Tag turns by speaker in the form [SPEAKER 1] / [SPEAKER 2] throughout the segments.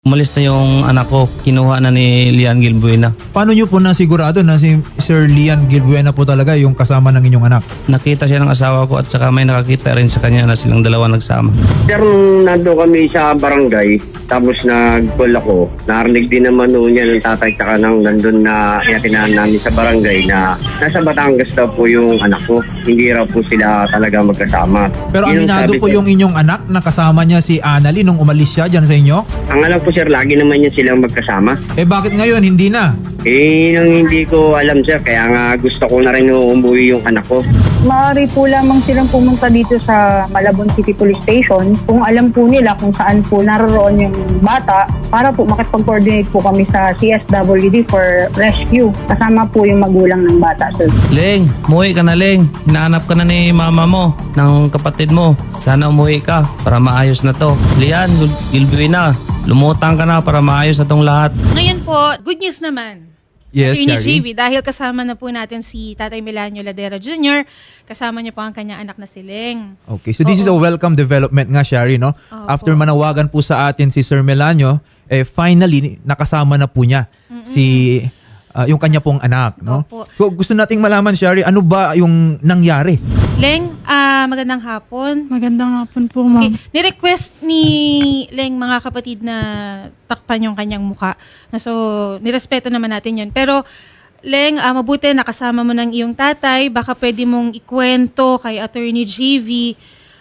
[SPEAKER 1] Umalis na yung anak ko, kinuha na ni Lian Gilbuena.
[SPEAKER 2] Paano nyo po nasigurado na si Sir Lian Gilbuena po talaga yung kasama ng inyong anak?
[SPEAKER 1] Nakita siya ng asawa ko at saka may nakakita rin sa kanya na silang dalawa nagsama.
[SPEAKER 3] Sir, nung nando kami sa barangay, tapos nag-call ako, narinig din naman noon niya ng tatay tsaka nang nandun na iatinahan namin sa barangay na nasa Batangas daw po yung anak ko. Hindi raw po sila talaga magkasama.
[SPEAKER 2] Pero
[SPEAKER 3] Yun ang
[SPEAKER 2] aminado
[SPEAKER 3] sabi
[SPEAKER 2] po
[SPEAKER 3] ko.
[SPEAKER 2] yung inyong anak na kasama niya si Annalyn nung umalis siya dyan sa inyo?
[SPEAKER 3] Ang alam ko sir, lagi naman yan silang magkasama.
[SPEAKER 2] Eh bakit ngayon hindi na?
[SPEAKER 3] Nang hindi ko alam sir, kaya nga gusto ko na rin umuwi yung anak ko.
[SPEAKER 4] Maaari po lamang silang pumunta dito sa Malabon City Police Station kung alam po nila kung saan po naroroon yung bata para po makipag-coordinate po kami sa CSWD for rescue. Kasama po yung magulang ng bata, sir.
[SPEAKER 1] Leng, umuwi ka na Leng. Hinahanap ka na ni mama mo, ng kapatid mo. Sana umuwi ka para maayos na to. Lian Gilbuena, lumutang ka na para maayos na tong lahat.
[SPEAKER 5] Ngayon po, good news naman.
[SPEAKER 2] Yes,
[SPEAKER 5] Attorney
[SPEAKER 2] Shari.
[SPEAKER 5] JV, dahil kasama na po natin si Tatay Melanio Ladera Jr., kasama niya po ang kanyang anak na si Leng.
[SPEAKER 2] Okay, so this is a welcome development nga, Shari, no?
[SPEAKER 5] Opo.
[SPEAKER 2] After manawagan po sa atin si Sir Melanio, finally, nakasama na po niya si yung kanya pong anak, no?
[SPEAKER 5] Opo.
[SPEAKER 2] So gusto nating malaman, Shari, ano ba yung nangyari?
[SPEAKER 5] Leng, magandang hapon.
[SPEAKER 6] Magandang hapon po, ma'am.
[SPEAKER 5] Okay, nirequest ni Leng mga kapatid na takpan yung kanyang muka. So, nirespeto naman natin yun. Pero, Leng, mabuti nakasama mo ng iyong tatay. Baka pwede mong ikwento kay Attorney JV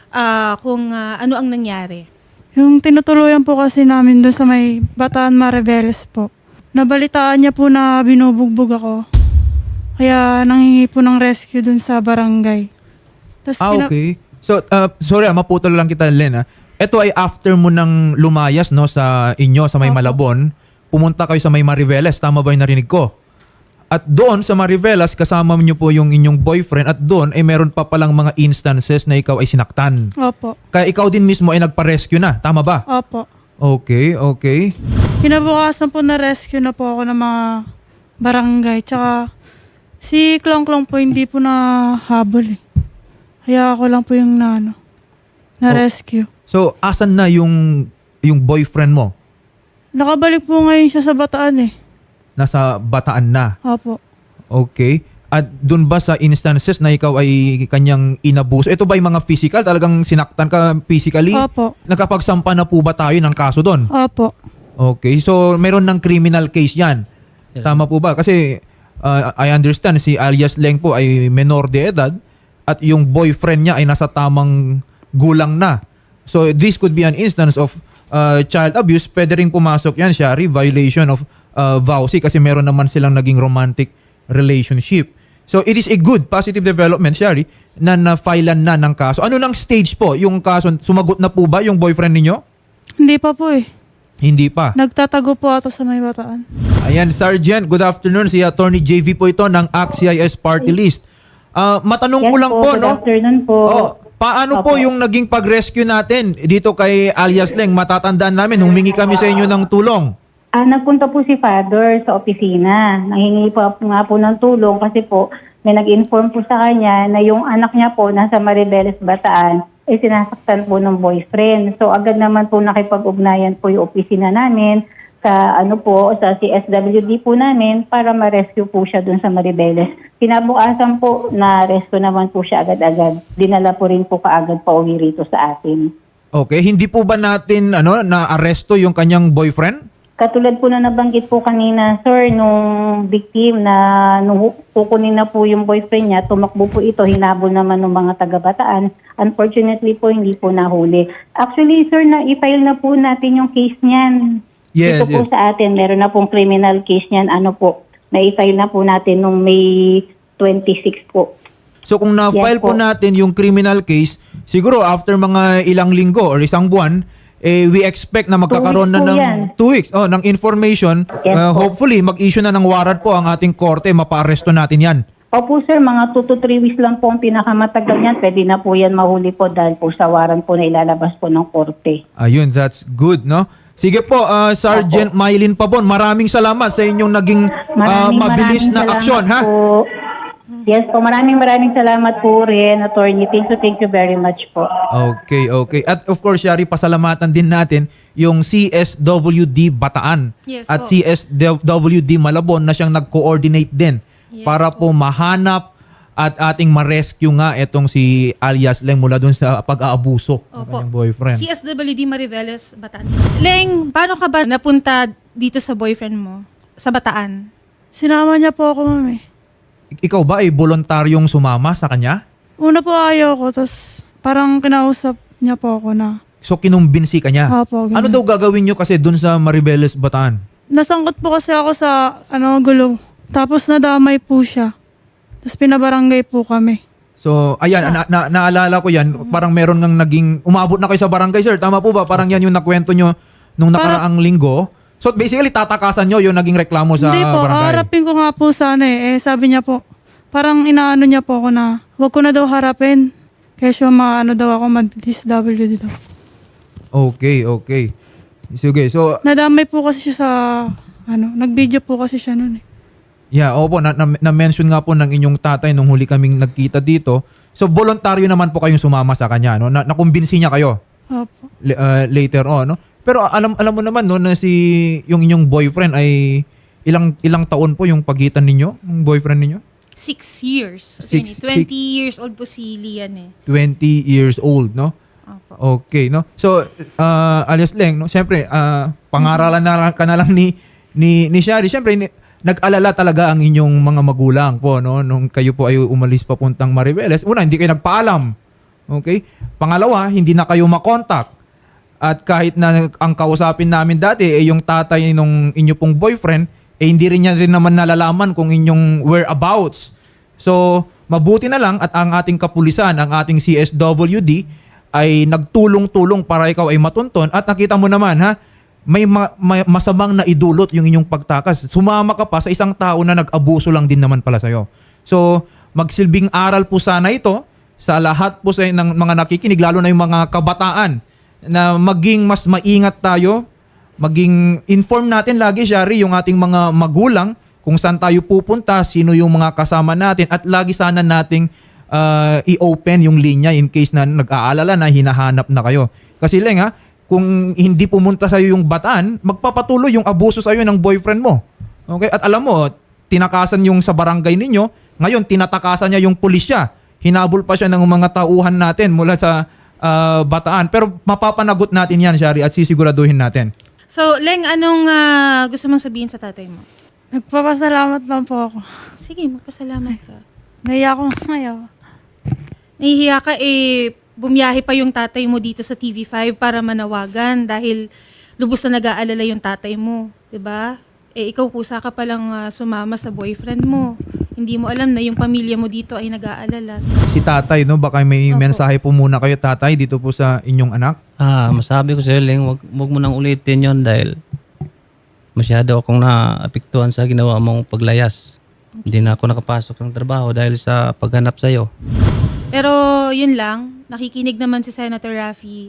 [SPEAKER 5] kung ano ang nangyari.
[SPEAKER 6] Yung tinutuluyan po kasi namin doon sa may Bataan Mariveles po. Nabalitaan niya po na binubugbog ako. Kaya nanghingi po ng rescue doon sa barangay. Tas
[SPEAKER 2] Okay. So, sorry, maputol lang kita, Len. Ito ay after mo nang lumayas, no, sa inyo, sa may
[SPEAKER 6] Opo.
[SPEAKER 2] Malabon, pumunta kayo sa may Mariveles. Tama ba yung narinig ko? At doon sa Mariveles, kasama niyo po yung inyong boyfriend at doon ay meron pa palang mga instances na ikaw ay sinaktan.
[SPEAKER 6] Opo.
[SPEAKER 2] Kaya ikaw din mismo ay nagpa-rescue na. Tama ba?
[SPEAKER 6] Opo.
[SPEAKER 2] Okay, okay.
[SPEAKER 6] Kinabukasan po na-rescue na po ako ng mga barangay. Tsaka si Klong Klong po hindi po nahabol eh. Kaya ako lang po yung na-rescue.
[SPEAKER 2] So, asan na yung boyfriend mo?
[SPEAKER 6] Nakabalik po ngayon siya sa Bataan eh.
[SPEAKER 2] Nasa Bataan na.
[SPEAKER 6] Opo.
[SPEAKER 2] Okay. At dun ba sa instances na ikaw ay kanyang inabuso? Ito ba yung mga physical? Talagang sinaktan ka physically?
[SPEAKER 6] Opo.
[SPEAKER 2] Nakapagsampa na po ba tayo ng kaso doon?
[SPEAKER 6] Opo.
[SPEAKER 2] Okay. So, meron ng criminal case yan. Tama po ba? Kasi I understand si alias Leng po ay menor de edad at yung boyfriend niya ay nasa tamang gulang na. So, this could be an instance of child abuse. Pwede rin pumasok yan, Shari, violation of VAUSI kasi meron naman silang naging romantic relationship. So, it is a good positive development, Shari, na na-filean na ng kaso. Ano nang stage po yung kaso? Sumagot na po ba yung boyfriend ninyo?
[SPEAKER 6] Hindi pa po eh.
[SPEAKER 2] Hindi pa.
[SPEAKER 6] Nagtatago po ata sa may Bataan.
[SPEAKER 2] Ayan, Sergeant, good afternoon. Si Attorney JV po ito ng ACT-CIS Party List. Matanong ko lang po,
[SPEAKER 4] good
[SPEAKER 2] no?
[SPEAKER 4] afternoon po.
[SPEAKER 2] Paano po
[SPEAKER 4] Opo.
[SPEAKER 2] yung naging pag-rescue natin dito kay alias Leng? Matatandaan namin, humingi kami sa inyo ng tulong.
[SPEAKER 4] Nagpunta po si Father sa opisina. Nanghingi pa po nga po ng tulong kasi po may nag-inform po sa kanya na yung anak niya po nasa Mariveles, Bataan ay sinasaktan po ng boyfriend. So agad naman po nakipag-ugnayan po yung opisina namin sa sa CSWD po namin para ma-rescue po siya dun sa Mariveles. Kinabukasan po na-rescue naman po siya agad-agad. Dinala po rin po kaagad pa uwi rito sa atin.
[SPEAKER 2] Okay, hindi po ba natin na-aresto yung kanyang boyfriend?
[SPEAKER 4] Katulad po na nabanggit po kanina, sir, nung victim na nung kukunin na po yung boyfriend niya, tumakbo po ito, hinabol naman ng mga taga-Bataan. Unfortunately po, hindi po nahuli. Actually, sir, na-i-file na po natin yung case niyan.
[SPEAKER 2] Yes,
[SPEAKER 4] Ito po
[SPEAKER 2] yes.
[SPEAKER 4] sa atin, meron na pong criminal case niyan. Na-i-file na po natin nung May 26 po.
[SPEAKER 2] So kung na-file
[SPEAKER 4] Yes
[SPEAKER 2] po
[SPEAKER 4] po.
[SPEAKER 2] natin yung criminal case, siguro after mga ilang linggo or isang buwan, we expect na magkakaroon na
[SPEAKER 4] 2 weeks po
[SPEAKER 2] ng
[SPEAKER 4] yan.
[SPEAKER 2] 2 weeks ng information.
[SPEAKER 4] Yes po.
[SPEAKER 2] Hopefully, mag-issue na ng warrant po ang ating korte, mapa-aresto natin yan.
[SPEAKER 4] Opo sir, mga 2 to 3 weeks lang po ang pinakamatagal niyan. Pwede na po yan mahuli po dahil po sa warrant po na ilalabas po ng korte.
[SPEAKER 2] Ayun, that's good, no? Sige po, Sergeant Mylene Pabon, maraming salamat sa inyong naging mabilis na
[SPEAKER 4] salamat
[SPEAKER 2] aksyon, ha?
[SPEAKER 4] po. Yes po, maraming salamat po rin, attorney. Thank you very much po.
[SPEAKER 2] Okay. At of course, Shari, pasalamatan din natin yung CSWD Bataan
[SPEAKER 5] Yes
[SPEAKER 2] at
[SPEAKER 5] po.
[SPEAKER 2] CSWD Malabon na siyang nag-coordinate din
[SPEAKER 5] Yes
[SPEAKER 2] para po mahanap at ating ma-rescue nga itong si alias Leng mula dun sa pag-aabuso ng
[SPEAKER 5] Opo.
[SPEAKER 2] kanyang boyfriend.
[SPEAKER 5] CSWD Mariveles, Bataan. Leng, paano ka ba napunta dito sa boyfriend mo? Sa Bataan?
[SPEAKER 6] Sinama niya po ako, ma'am eh.
[SPEAKER 2] Ikaw ba ay voluntaryong sumama sa kanya?
[SPEAKER 6] Una po ayaw ko, tapos parang kinausap niya po ako na,
[SPEAKER 2] So kinumbinsi ka niya?
[SPEAKER 6] Opo, ganun.
[SPEAKER 2] Ano daw gagawin nyo kasi dun sa Maribeles, Bataan?
[SPEAKER 6] nasangkot po kasi ako sa gulo. Tapos nadamay po siya. Tapos pinabarangay po kami.
[SPEAKER 2] So, ayan, naalala ko yan. Parang meron ngang naging, umabot na kayo sa barangay, sir. Tama po ba? Parang yan yung nakwento nyo nung nakaraang linggo. So, basically, tatakasan nyo yung naging reklamo sa
[SPEAKER 6] Hindi po,
[SPEAKER 2] barangay.
[SPEAKER 6] harapin ko nga po sana eh. Sabi niya po, parang inaano niya po ako na, wag ko na daw harapin. Kaya maano daw ako, mag-DSWD daw.
[SPEAKER 2] Okay. Sige, so,
[SPEAKER 6] Nadamay po kasi siya sa, nag-video po kasi siya noon eh.
[SPEAKER 2] yeah, opo, na-mention nga po ng inyong tatay nung huli kaming nagkita dito. So, voluntaryo naman po kayong sumama sa kanya, no? Nakumbinsi niya kayo
[SPEAKER 6] Opo.
[SPEAKER 2] later on, no? Pero alam mo naman, no, na yung inyong boyfriend ay ilang taon po yung pagitan ninyo, yung boyfriend ninyo?
[SPEAKER 5] 6 years.
[SPEAKER 2] Six-
[SPEAKER 5] 20 years old po si Lian eh.
[SPEAKER 2] 20 years old, no?
[SPEAKER 5] Opo.
[SPEAKER 2] Okay, no? So, alias Leng, no? Siyempre, pangaralan ka na lang ni Shari. Siyempre, nag-alala talaga ang inyong mga magulang po, no? Nung kayo po ay umalis papuntang Maribeles. Una, hindi kayo nagpaalam. Okay? Pangalawa, hindi na kayo makontak. At kahit na ang kausapin namin dati, yung tatay nung inyo pong boyfriend, hindi rin niya rin naman nalalaman kung inyong whereabouts. So, mabuti na lang at ang ating kapulisan, ang ating CSWD, ay nagtulong-tulong para ikaw ay matunton. At nakita mo naman, ha, may masamang naidulot yung inyong pagtakas. Sumama ka pa sa isang tao na nag-abuso lang din naman pala sa'yo. So, magsilbing aral po sana ito sa lahat po ng mga nakikinig, lalo na yung mga kabataan, na maging mas maingat tayo, maging inform natin lagi, Shari, yung ating mga magulang kung saan tayo pupunta, sino yung mga kasama natin, at lagi sana nating i-open yung linya in case na nag-aalala na hinahanap na kayo. Kasi Leng, ha, kung hindi pumunta sa'yo yung Bataan, magpapatuloy yung abuso sa'yo ng boyfriend mo. Okay? At alam mo, tinakasan yung sa barangay ninyo, ngayon tinatakasan niya yung pulisya. Hinabol pa siya ng mga tauhan natin mula sa Bataan. Pero mapapanagot natin yan, Shari, at sisiguraduhin natin.
[SPEAKER 5] So, Leng, anong gusto mong sabihin sa tatay mo?
[SPEAKER 6] Nagpapasalamat lang po ako.
[SPEAKER 5] Sige, magpasalamat ka.
[SPEAKER 6] Naiya ako ngayon.
[SPEAKER 5] Nahihiya ka bumiyahe pa yung tatay mo dito sa TV5 para manawagan dahil lubos na nag-aalala yung tatay mo, 'di ba? Ikaw kusa ka palang sumama sa boyfriend mo. Hindi mo alam na yung pamilya mo dito ay nag-aalala.
[SPEAKER 2] Si tatay, no? Baka may
[SPEAKER 5] Opo.
[SPEAKER 2] mensahe po muna kayo, tatay, dito po sa inyong anak.
[SPEAKER 1] Masabi ko sa'yo, Leng, wag mo nang ulitin yon dahil masyado akong naapektuhan sa ginawa mong paglayas. Hindi na ako nakapasok ng trabaho dahil sa paghanap sa'yo.
[SPEAKER 5] Pero yun lang, nakikinig naman si Senator Raffy.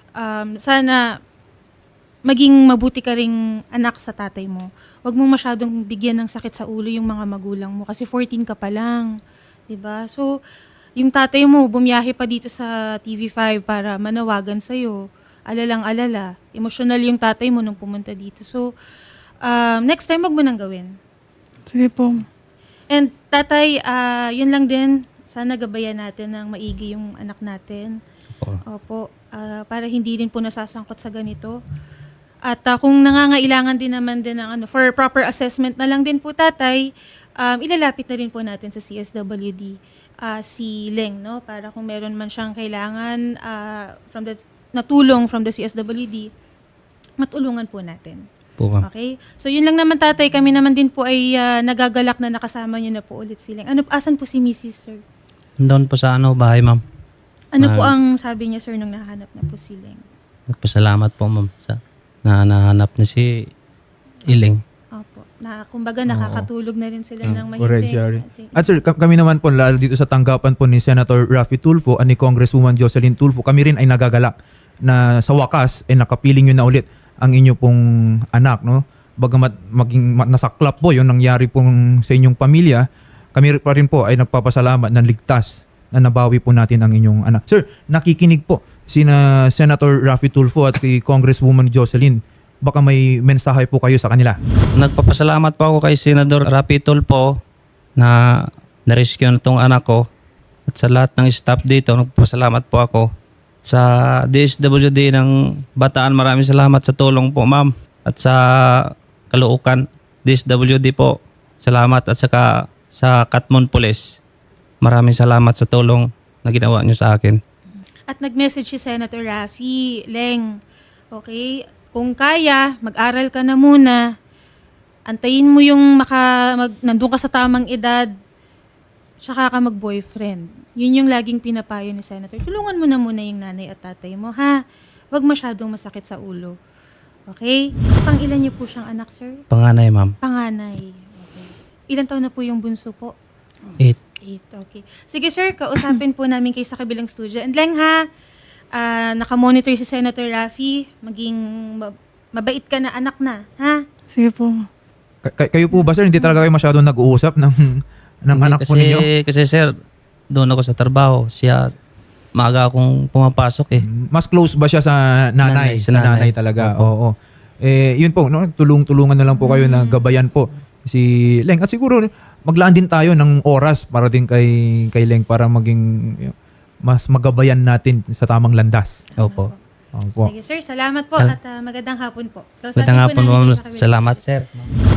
[SPEAKER 5] Sana maging mabuti ka ring anak sa tatay mo. Huwag mong masyadong bigyan ng sakit sa ulo yung mga magulang mo kasi 14 ka pa lang. 'Di ba? So, yung tatay mo bumiyahe pa dito sa TV5 para manawagan sa'yo. Alalang-alala. Emotional yung tatay mo nung pumunta dito. So, next time wag mo nang gawin.
[SPEAKER 6] Sige po.
[SPEAKER 5] And tatay, yun lang din. Sana gabayan natin ng maigi yung anak natin. Opo. Para hindi din po nasasangkot sa ganito. At kung nangangailangan din naman din ng for proper assessment na lang din po tatay, ilalapit na rin po natin sa CSWD si Leng, no? Para kung meron man siyang kailangan natulong from the CSWD, matulungan po natin.
[SPEAKER 1] Po, ma'am.
[SPEAKER 5] Okay? So yun lang naman tatay, kami naman din po ay nagagalak na nakasama niyo na po ulit si Leng. Asan po si Mrs. Sir?
[SPEAKER 1] Doon po sa bahay, ma'am.
[SPEAKER 5] Ano po ang sabi niya sir nung nahanap na po si Leng?
[SPEAKER 1] Nagpasalamat po, ma'am, sa nahanap na si Ileng.
[SPEAKER 5] Opo. Kumbaga nakakatulog na rin sila ng
[SPEAKER 2] Correct,
[SPEAKER 5] mahimbing.
[SPEAKER 2] Shari. At sir, kami naman po, lalo dito sa tanggapan po ni Senator Raffy Tulfo at ni Congresswoman Jocelyn Tulfo, kami rin ay nagagalak na sa wakas ay nakapiling nyo na ulit ang inyo pong anak, no? Bagamat maging nasaklap po yung nangyari pong sa inyong pamilya, kami pa rin po ay nagpapasalamat na ligtas na nabawi po natin ang inyong anak. Sir, nakikinig po sina Senator Raffy Tulfo at kay Congresswoman Jocelyn. Baka may mensahe po kayo sa kanila.
[SPEAKER 1] Nagpapasalamat po ako kay Senador Raffy Tulfo na na-rescue na itong anak ko. At sa lahat ng staff dito, nagpapasalamat po ako. Sa DSWD ng Bataan, maraming salamat sa tulong po, ma'am. At sa Caloocan, DSWD po, salamat. At saka sa Katmon Police, maraming salamat sa tulong na ginawa niyo sa akin.
[SPEAKER 5] At nag-message si Senator Raffy, Leng, okay, kung kaya, mag-aral ka na muna, antayin mo yung nandun ka sa tamang edad, saka ka mag-boyfriend. Yun yung laging pinapayo ni Senator. Tulungan mo na muna yung nanay at tatay mo, ha? Huwag masyadong masakit sa ulo. Okay? Pang-ilan niyo po siyang anak, sir?
[SPEAKER 1] Panganay, ma'am.
[SPEAKER 5] Panganay. Okay. Ilan taon na po yung bunso po?
[SPEAKER 1] 8.
[SPEAKER 5] 8, okay. Sige sir, kausapin po namin kayo sa kabilang studio. And Leng ha, nakamonitor si Senator Raffy, maging mabait ka na anak na, ha?
[SPEAKER 6] Sige po.
[SPEAKER 2] Kayo po ba, sir, hindi talaga kayo masyadong nag-uusap ng anak po ninyo?
[SPEAKER 1] Kasi sir, doon ako sa trabaho. Siya, maaga akong pumapasok eh.
[SPEAKER 2] Mas close ba siya sa nanay?
[SPEAKER 1] Sa
[SPEAKER 2] Sa
[SPEAKER 1] nanay.
[SPEAKER 2] nanay talaga.
[SPEAKER 1] Opo.
[SPEAKER 2] Oo. Yun po, no? Tulungan na lang po kayo na gabayan po si Leng. At siguro maglaan din tayo ng oras para din kay Leng para maging mas magabayan natin sa tamang landas.
[SPEAKER 1] Opo.
[SPEAKER 2] Opo.
[SPEAKER 5] Sige sir, salamat po at magandang hapon po. Kausapin
[SPEAKER 1] Magandang
[SPEAKER 5] po
[SPEAKER 1] hapon,
[SPEAKER 5] namin
[SPEAKER 1] ma'am.
[SPEAKER 5] kayo sa kabilang
[SPEAKER 1] Salamat,
[SPEAKER 5] studio.
[SPEAKER 1] sir.